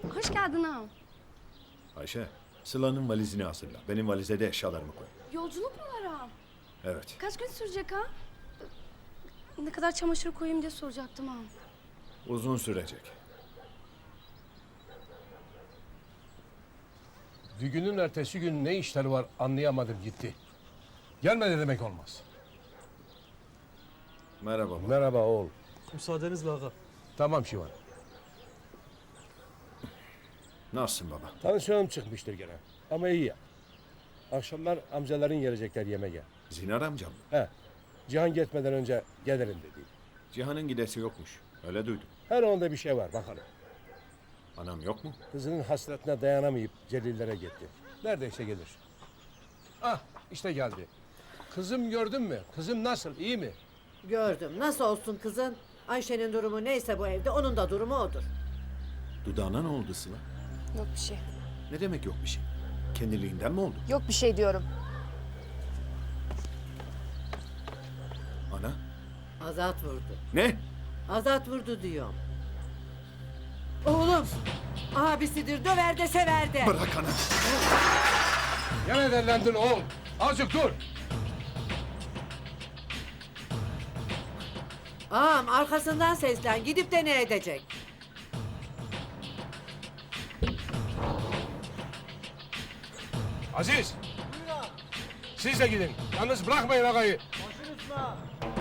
Hoş geldin ağam. Ayşe, Sıla'nın valizini hazırla. Benim valize de eşyalarımı koy. Yolculuk mu var ağam? Evet. Kaç gün sürecek ha? Ne kadar çamaşır koyayım diye soracaktım ağam. Uzun sürecek. Düğünün ertesi gün ne işleri var anlayamadım gitti. Gelmedi demek olmaz. Merhaba baba. Merhaba oğul. Müsaadenizle ağa. Tamam Şivan. Nasılsın baba? Tansiyonum çıkmıştır gene. Ama iyi ya. Akşamlar amcaların gelecekler yemeğe. Zinar amcam mı? He. Cihan gitmeden önce gelirim dedi. Cihan'ın gidesi yokmuş. Öyle duydum. Her onda bir şey var bakalım. Anam yok mu? Kızının hasretine dayanamayıp Celillere gitti. Neredeyse gelir. Ah işte geldi. Kızım gördün mü? Kızım nasıl? İyi mi? Gördüm. Nasıl olsun kızın? Ayşe'nin durumu neyse bu evde onun da durumu odur. Dudağına ne oldu Sıla? Yok bir şey. Ne demek yok bir şey? Kendiliğinden mi oldu? Yok bir şey diyorum. Ana? Azat vurdu. Ne? Azat vurdu diyorum. Oğlum abisidir, döver de sever de. Bırak ana. Gene derlendin oğul. Azıcık dur. Ağam arkasından seslen, gidip de ne edecek? Aziz. Siz de gidin. Yalnız bırakmayın ağayı.